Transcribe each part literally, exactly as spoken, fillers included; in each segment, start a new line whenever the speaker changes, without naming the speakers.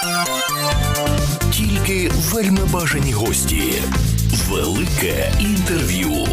Тільки вельми бажані гості. Велике інтерв'ю.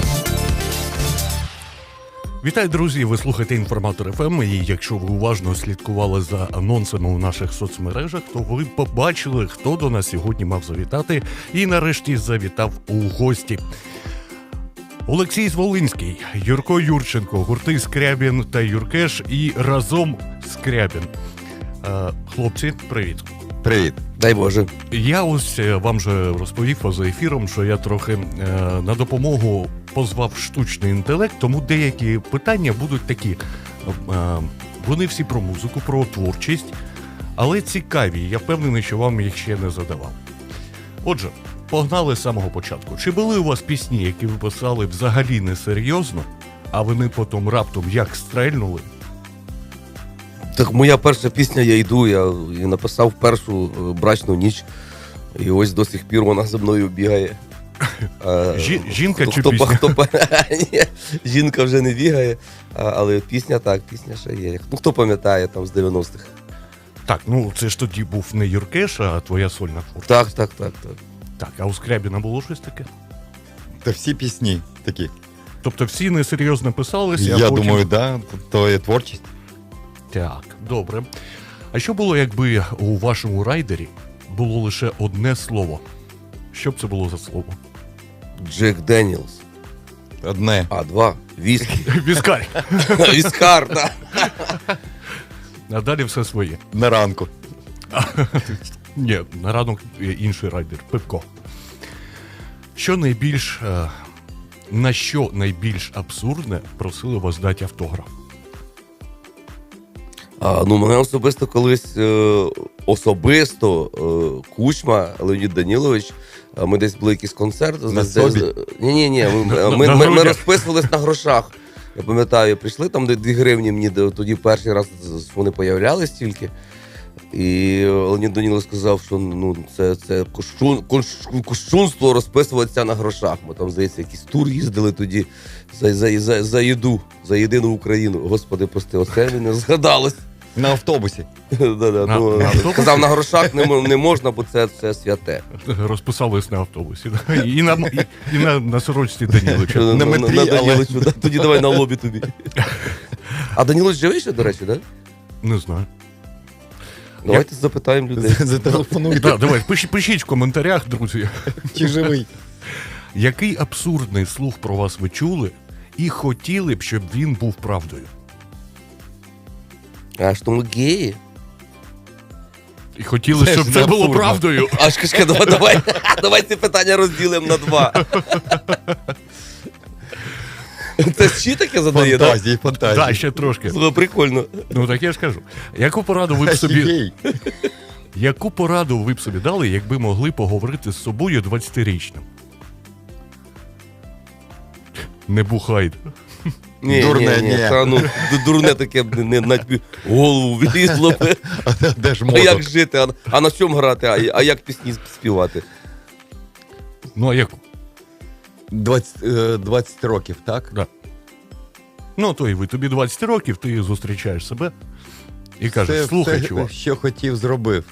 Вітаю, друзі! Ви слухаєте «Інформатор еф ем», і якщо ви уважно слідкували за анонсами у наших соцмережах, то ви побачили, хто до нас сьогодні мав завітати і нарешті завітав у гості. Олексій Зволинський, Юрко Юрченко, гурти Скрябін та Юркеш і разом Скрябін. Е, хлопці, привіт.
Привіт.
Дай Боже.
Я ось вам же розповів поза ефіром, що я трохи е, на допомогу позвав штучний інтелект, тому деякі питання будуть такі. Е, вони всі про музику, про творчість, але цікаві. Я впевнений, що вам їх ще не задавав. Отже, погнали з самого початку. Чи були у вас пісні, які ви писали взагалі несерйозно, а вони потім раптом як стрельнули?
Так моя перша пісня «Я йду», я і написав першу брачну ніч, і ось до сих пір вона за мною бігає.
Жі, жінка
хто,
чи
хто,
пісня?
Хто, ні, жінка вже не бігає, але пісня так, пісня ще є. Ну, хто пам'ятає там з дев'яностих?
Так, ну це ж тоді був не Юркеш, а твоя сольна творчість.
Так, так, так, так.
Так, а у Скрябіна було щось таке?
Та всі пісні такі.
Тобто всі несерйозно писалися,
Я
а потім...
думаю, да, то є творчість.
Так, добре. А що було, якби у вашому райдері було лише одне слово? Що б це було за слово?
Джек Деніелс.
Одне.
А, два. Віскі.
Віскар.
Віскар, так.
А далі все своє.
На ранку.
Ні, на ранок інший райдер. Пивко. Що найбільш... е, На що найбільш абсурдне просили вас дати автограф?
А, ну, мене особисто колись, е, особисто е, Кучма, Леонід Данілович, е, ми десь були якийсь концерт.
На собі?
Ні-ні-ні, ми, ми, ми, ми розписувались на грошах. Я пам'ятаю, прийшли там, де дві гривні мені, тоді перший раз вони появлялись тільки. І Леонід Данілович сказав, що ну, це, це кощун, кощунство розписуватися на грошах. Ми там, здається, якийсь тур їздили тоді за, за, за, за їду, за єдину Україну. Господи, прости, оце мені згадалось.
На автобусі.
Да-да,
На-
ну,
на автобусі?
сказав, на грошах не, м- не можна, бо це, це святе.
Розписались на автобусі. да? І на, і, і на, на сорочці Даніловича.
На метрі,
на
але-
Даніловичу, да. Тоді давай на лобі тобі. А Данілович живий ще, до речі, так? Да?
Не знаю.
Давайте запитаємо людей.
Зателефонуйте.
Да, давай, пишіть, пишіть в коментарях, друзі.
Чи живий?
Який абсурдний слух про вас ви чули і хотіли б, щоб він був правдою?
А що ми геї?
І хотіли,
Це
щоб
ж
це
не
було
абсурдно.
правдою.
Аж кашка, давай, давай, давай ці питання розділимо на два. Це ще таке задає, так?
Фантазії, фантазії.
Так, ще трошки.
Слухай, прикольно.
Ну так я ж кажу. Яку пораду ви б собі,
Офігей.
яку пораду ви б собі дали, якби могли поговорити з собою двадцятирічним? Не бухайте.
Ні,
Дурне,
ні, ні.
ні.
Та, ну, ду- дурне таке б не на тобі голову влізло б.
А де- де ж
А як
мозок?
жити, а, а на чому грати, а, а як пісні співати?
Ну а яку?
двадцять, е, двадцять років, так?
Да. Ну, то і ви, тобі двадцять років, ти зустрічаєш себе і кажеш,
Це
слухай,
все,
чувак.
що хотів, зробив.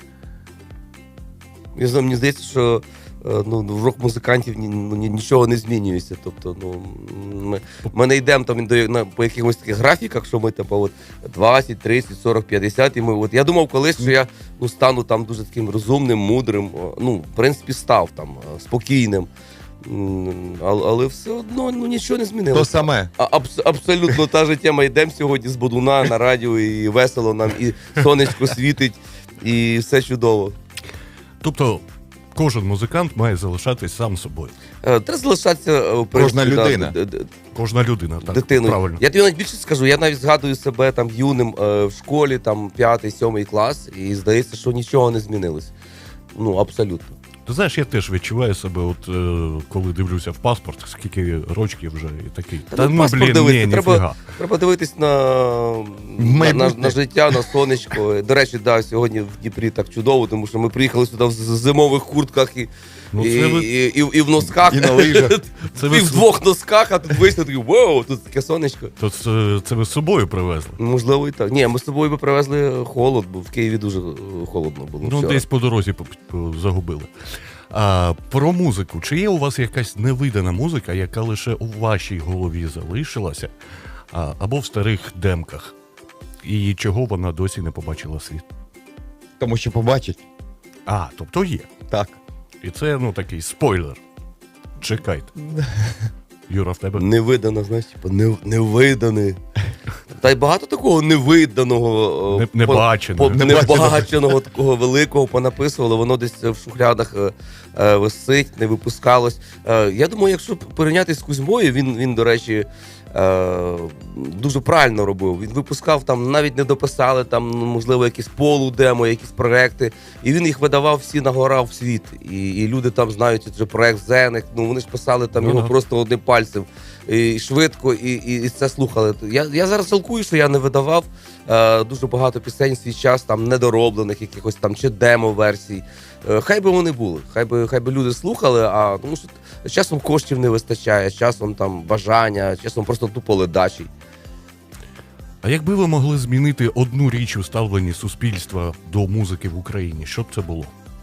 Я знаю, мені здається, що е, ну, в рок-музикантів ні- ну, ні- нічого не змінюється. Тобто, ну, ми, ми не йдемо там до, на, по якихось таких графіках, що ми типу, от, двадцять, тридцять, сорок, п'ятдесят. І ми, от, я думав колись, що я ну, стану там дуже таким розумним, мудрим. о, Ну, в принципі, став там е, спокійним. М, Але, але все одно ну, нічого не
То
змінилося.
саме.
А, абс- абсолютно та ж тема. Йдемо сьогодні з Бодуна на радіо, і весело нам, і сонечко світить, і все чудово.
Тобто, кожен музикант має залишатись сам собою.
Е, Треба залишатися е, в
Кожна
принципі,
людина.
да, д- д-
Кожна людина, так,
дитиною.
правильно.
Я тобі навіть більше скажу, я навіть згадую себе там юним е, в школі, там п'ятий, сьомий клас, і здається, що нічого не змінилось. Ну, абсолютно.
Ти знаєш, я теж відчуваю себе, от е, коли дивлюся в паспорт, скільки років вже і такий.
Та
Та
ну,
ну,
паспорт
блін,
дивитися,
ні,
треба-
ніфіга.
Треба дивитись на, на, на,
Майбутнє.
на життя, на сонечко. До речі, да, сьогодні в Дніпрі так чудово, тому що ми приїхали сюди в з- зимових куртках і,
Ну,
і,
це ви-
і, і, і в носках.
І на лижах.
Це
І
ви,
в
з-
двох носках, а тут вийшли такі, вау, тут таке сонечко.
то це, це ви з собою привезли?
Можливо, і так. Ні, ми з собою би привезли холод, бо в Києві дуже е, холодно було.
Ну,
вчора.
десь по дорозі по- по- загубили. А, про музику. Чи є у вас якась невидана музика, яка лише у вашій голові залишилася, а, або в старих демках? І чого вона досі не побачила світ?
Тому що побачить.
А, тобто є.
Так.
І це, ну, такий спойлер. Чекайте. Юра, в тебе?
Невидано, знаєш, типу, не, невидане. Та й багато такого невиданого,
Не-
по-
небаченого.
по-
Небаченого.
небаченого такого великого понаписували, воно десь в шухлядах е, е, висить, не випускалось. Е, я думаю, якщо порівнятися з Кузьмою, він, він до речі, е, дуже правильно робив. Він випускав там, навіть не дописали, там, ну, можливо, якісь полудемо, якісь проекти, і він їх видавав всі на гора в світ. І, і люди там знають, це проект Зеник, ну вони ж писали там
Ну,
його
да.
просто одним пальцем. І швидко, і, і, і це слухали. Я, я зараз жалкую, що я не видавав е, дуже багато пісень в свій час, там недороблених якихось там чи демо-версій. Е, хай би вони були, хай би, хай би люди слухали, а тому що часом коштів не вистачає, часом там бажання, часом просто тупо ледачі.
А якби ви могли змінити одну річ у ставленні суспільства до музики в Україні, що б це було?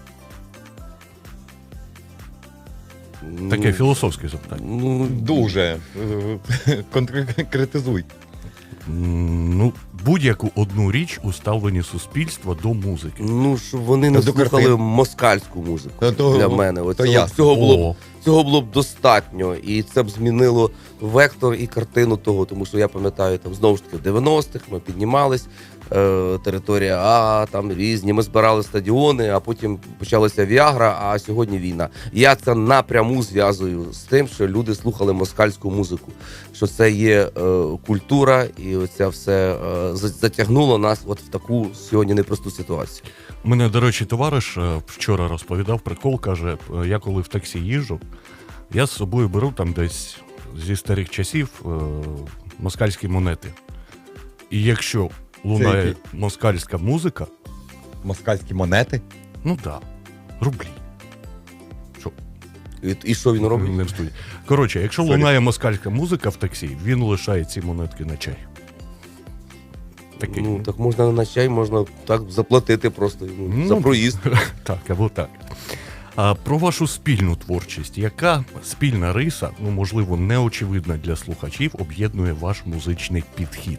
Таке
Ну,
філософське запитання.
Ну,
Дуже. Е, Конкретизуй.
М, Ну, будь-яку одну річ у ставленні суспільства до музики.
ну, щоб вони не
До
слухали
картин.
москальську музику
Ну, то-
для мене. От
то
цього,
ясно.
цього було б
О,
Цього було б достатньо, і це б змінило вектор і картину того, тому що я пам'ятаю, там знову ж таки в дев'яностих ми піднімались, е, територія А, там різні, ми збирали стадіони, а потім почалася Віагра, а сьогодні війна. Я це напряму зв'язую з тим, що люди слухали москальську музику, що це є е, культура, і оце все е, за- затягнуло нас от в таку сьогодні непросту ситуацію.
у мене, до речі, товариш е, вчора розповідав прикол, каже, е, я коли в таксі їжджу, я з собою беру там десь зі старих часів е, москальські монети. І якщо лунає
які?
москальська музика,
Москальські монети.
ну так, да, рублі. Що?
І, і що він робить?
Не в студії. Коротше, якщо
Sorry.
лунає москальська музика в таксі, він лишає ці монетки на чай. Такий.
Ну, так можна на чай, можна так заплатити просто йому
Ну,
за проїзд.
Так, або так. А про вашу спільну творчість. Яка спільна риса, ну можливо, неочевидна для слухачів, об'єднує ваш музичний підхід?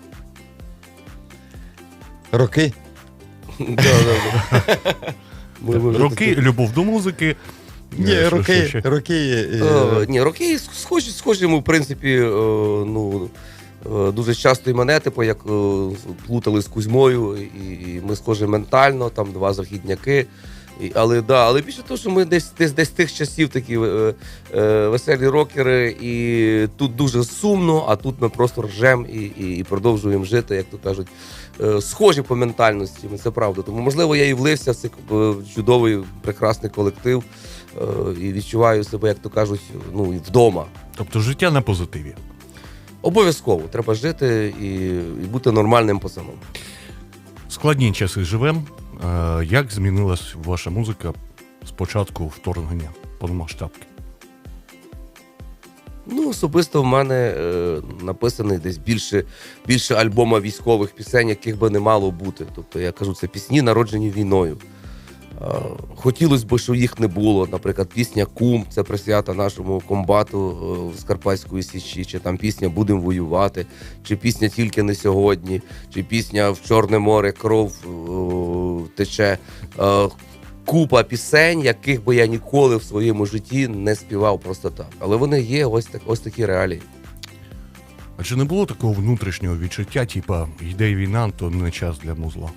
Роки.
Да, да, да. Ми- ми вже
Роки,
такі-
любов до музики.
Ні,
Е, що-
роки,
що ще?
роки. е,
Е, Ні, роки схожі, схожі ми, в принципі, е, ну, е, дуже часто і мене, типу, як е, плутали з Кузьмою, і, і ми схожі ментально, там два західняки. І, але да, але більше того, що ми десь десь десь тих часів такі е, е, веселі рокери, і тут дуже сумно, а тут ми просто ржем і, і, і продовжуємо жити, як то кажуть, е, схожі по ментальності. Це правда. Тому можливо я і влився в цей е, чудовий, прекрасний колектив е, і відчуваю себе, як то кажуть, ну і вдома.
Тобто життя на позитиві.
Обов'язково треба жити і, і бути нормальним пацаном.
Складні часи живем. Е, Як змінилась ваша музика з початку вторгнення повномасштабки?
Ну, особисто в мене е, написаний десь більше, більше альбома військових пісень, яких би не мало бути. Тобто, я кажу, це пісні, народжені війною. Е, хотілося б, щоб їх не було. Наприклад, пісня Кум, це присвята нашому комбату е, з Карпатської Січі, чи там пісня Будем воювати, чи пісня Тільки не сьогодні, чи пісня В Чорне море кров е, тече. Е, Купа пісень, яких би я ніколи в своєму житті не співав просто так. Але вони є, ось так, ось такі реалії.
А чи не було такого внутрішнього відчуття, типа йде війна, то не час для музла?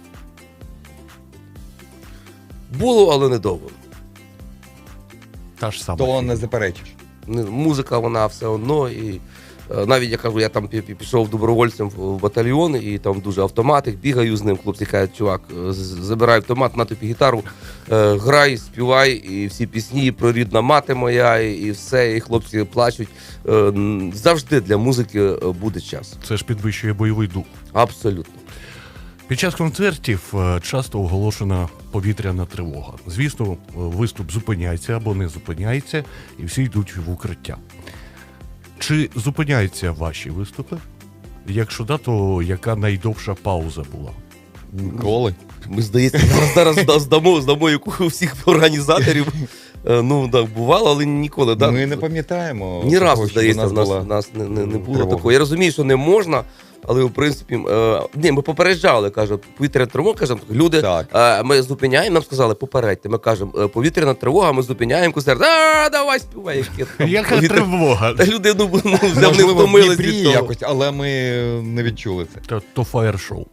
Було, але недовго.
Та ж сама.
То
фігня.
не заперечиш.
Не- Музика, вона все одно, і Навіть я кажу, я там пішов добровольцем в батальйон, і там дуже автоматик, бігаю з ним, хлопці кажуть, чувак, забирай автомат, на тобі гітару, грай, співай, і всі пісні про рідна мати моя, і все, і хлопці плачуть. Завжди для музики буде час.
Це ж підвищує бойовий дух.
Абсолютно.
Під час концертів часто оголошена повітряна тривога. Звісно, виступ зупиняється або не зупиняється, і всі йдуть в укриття. Чи зупиняються ваші виступи? Якщо да, то яка найдовша пауза була?
Ніколи.
Ми, здається, зараз, зараз здамо, здамо яку всіх організаторів. Ну, так, бувало, але ніколи. Да?
Ми не пам'ятаємо.
Ні разу,
такого,
здається, в нас,
була
в нас не, не, не було
тривога.
такого. Я розумію, що не можна, але, в принципі, е, ні, ми попереджали, каже, повітряна тривога, кажемо, люди, е, ми зупиняємо, нам сказали, попередьте, ми кажемо, е, повітряна тривога, ми зупиняємо концерт, а, давай співай.
Яка тривога?
Та люди, ну, ну вже вони
Можливо, в
втомились
Дніпрі
від того.
якось, але ми не відчули це.
То, то фаєр-шоу.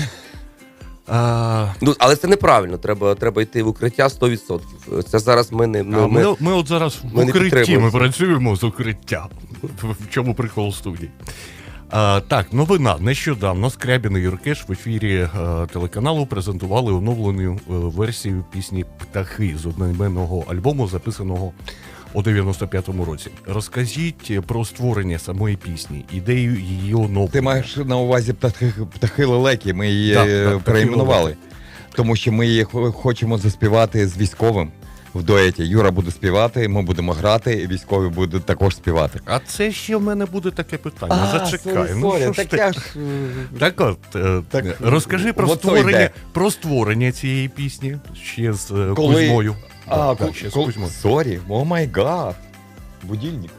А,
Ну, але це неправильно, треба, треба йти в укриття сто відсотків. Це зараз ми не... Ми,
а ми,
ми,
ми от зараз в
ми не
укритті,
підтримуємо
ми
це.
працюємо з укриття. В чому прикол студії? А, так, новина. Нещодавно Скрябін і Юркеш в ефірі а, телеканалу презентували оновлену а, версію пісні «Птахи» з одноіменного альбому, записаного у дев'яносто п'ятому році. Розкажіть про створення самої пісні, ідею її оновлення.
Ти маєш на увазі птахи, птахи лелеки, ми її
Так, так, птахи
перейменували.
лелеки.
Тому що ми її хо- хочемо заспівати з військовим в дуеті. Юра буде співати, ми будемо грати, і військові будуть також співати.
А це ще в мене буде таке питання. Зачекай.
сорі,
Ну,
сорі,
що ж
так
ти?
я ж...
Так от, е,
Так,
розкажи про
от то
створення,
йде.
про створення цієї пісні ще з е,
Коли-
Кузьмою.
А,
Так,
ку-
так, ще з
ку-
Кузьмою.
сорі, о май гад. Будильник.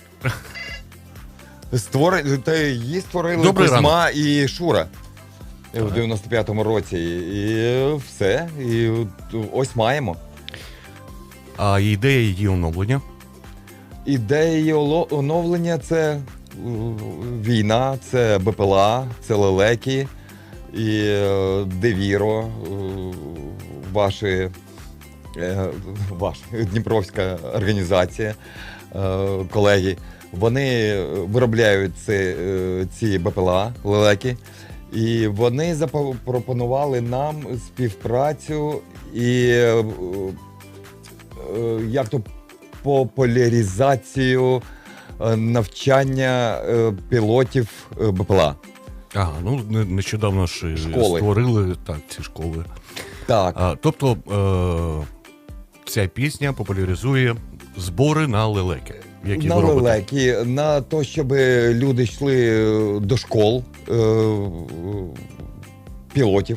Створи... Та її створили
Добрий
Кузьма і Шура в дев'яносто п'ятому році. І все. І ось маємо.
А ідея її оновлення?
Ідея її оло- оновлення – це е, війна, це БПЛА, це лелеки і е, Девіро, е, ваші, е, ваша Дніпровська організація, е, колеги. Вони виробляють ці, е, ці БПЛА, лелеки, і вони запропонували нам співпрацю і е, е, як то популяризацію е, навчання е, пілотів е, БПЛА.
Ага, ну не- нещодавно ж е,
Школи.
створили так, ці школи.
Так,
А, тобто е, ця пісня популяризує збори на лелеки, які
на
ви робите.
лелеки, на те, щоб люди йшли до школ е, пілотів.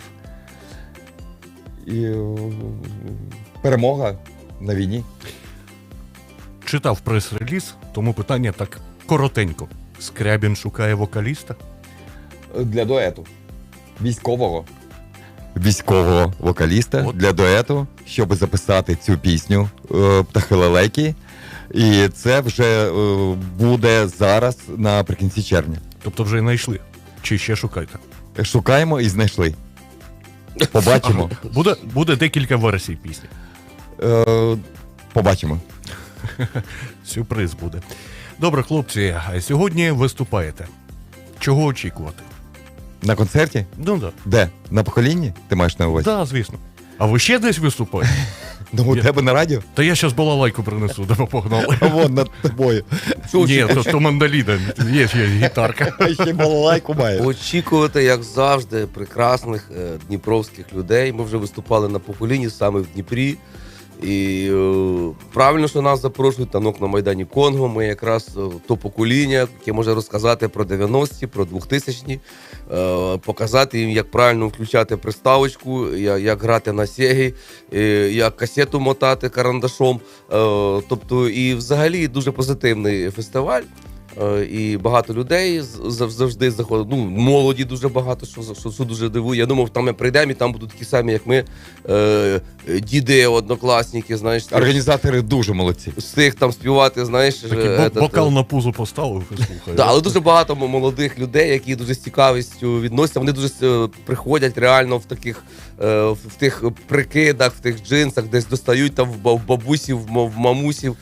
І е, перемога на війні.
Читав прес-реліз, тому питання так коротенько. Скрябін шукає вокаліста?
Для дуету. Військового. Військового вокаліста
От.
для дуету, щоб записати цю пісню е, «Птахи лелеки». І це вже е, буде зараз наприкінці червня.
Тобто вже знайшли? Чи ще шукаєте?
Шукаємо і знайшли. Побачимо.
Буде, буде декілька версій пісні.
Е, побачимо.
Сюрприз буде. Добре, хлопці, а сьогодні виступаєте. Чого очікувати?
На концерті?
Ну так.
Де? На поколінні? Ти маєш на увазі?
Да. Да, звісно. А ви ще десь виступаєте?
Ну, у
Я-
тебе на радіо?
Та я зараз балалайку принесу, де ви погнали.
А вон над тобою.
Ні, то, то мандоліна, є ще гітарка.
А ще балалайку має.
Очікувати, як завжди, прекрасних е, дніпровських людей. Ми вже виступали на поколінні саме в Дніпрі. І е, правильно, що нас запрошують танок на Майдані Конго. Ми якраз е, то покоління, яке може розказати про дев'яності, про двохтисячні, е, показати їм, як правильно включати приставочку, як, як грати на сегі, е, як касету мотати карандашом. Е, тобто, і взагалі дуже позитивний фестиваль. Е, І багато людей з- зав- завжди заходять. Ну, молоді дуже багато, що, що, що дуже дивує. Я думав, там ми прийдемо, і там будуть такі самі, як ми, е, діди, однокласники, знаєш,
Організатори дуже молодці.
з тих там співати, знаєш.
Такий
е,
бо-
этот,
бокал
е,
на пузо поставив і слухай.
Да, але дуже багато м- молодих людей, які дуже з цікавістю відносяться. Вони дуже е, приходять реально в таких е, в в тих прикидах, в тих джинсах, десь достають там в ба- в бабусів, в ма- в мамусів.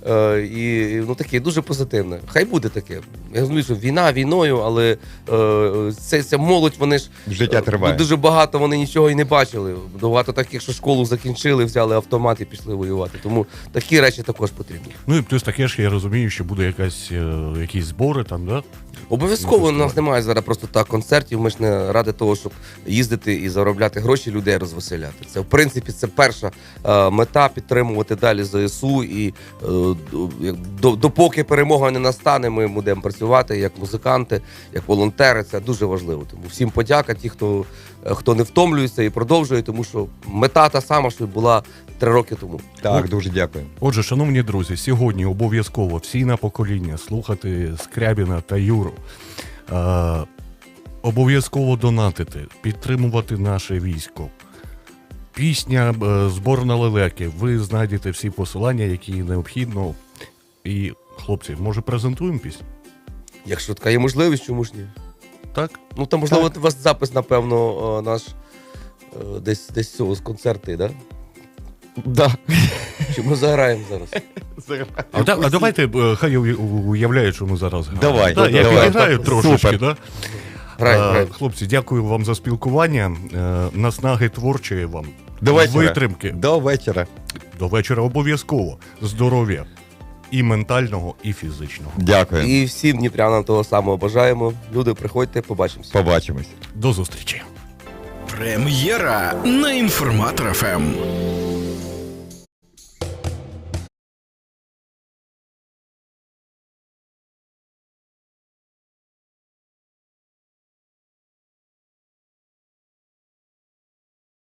Е, і ну таке дуже позитивне. Хай буде таке. Я розумію, що війна війною, але е, ця, ця молодь, вони ж
Життя триває.
дуже багато вони нічого і не бачили. Багато таких, що школу закінчили, взяли автомат і пішли воювати. Тому такі речі також потрібні.
Ну і плюс таке ж, я розумію, що буде якась, е, якісь збори там, да?
Обов'язково у нас немає зараз просто так концертів. Ми ж не ради того, щоб їздити і заробляти гроші, людей розвеселяти. Це в принципі це перша е, мета підтримувати далі ЗСУ. І е, до, допоки перемога не настане, ми будемо працювати як музиканти, як волонтери. Це дуже важливо. Тому всім подяка, ті, хто, хто не втомлюється і продовжує, тому що мета та сама, що була три роки тому.
Так, дуже дякую.
Отже, шановні друзі, сьогодні обов'язково всі на покоління слухати Скрябіна та Юру. Е, обов'язково донатити, підтримувати наше військо. Пісня, е, збор на лелеки. Ви знайдете всі посилання, які необхідно. І, хлопці, може презентуємо пісню?
Якщо така є можливість, чому ж ні?
Так?
Ну там можливо у вас запис, напевно, наш е, десь десь цього з концерти, да?
Да.
Чи ми заграємо зараз?
А, да, а давайте е, хай уя- уявляють, що ми зараз граємо.
Давай,
Да, я
давай.
підіграю трошечки,
Супер.
да?
Граємо,
Е,
граємо.
Хлопці, дякую вам за спілкування. Е, Наснаги творчої вам.
До вечора.
Витримки.
До вечора.
До вечора обов'язково. Здоров'я. І ментального, і фізичного.
Дякую.
І всім дніпрянам того самого бажаємо. Люди, приходьте, побачимося.
Побачимось.
До зустрічі.
Прем'єра на Інформатор еф ем.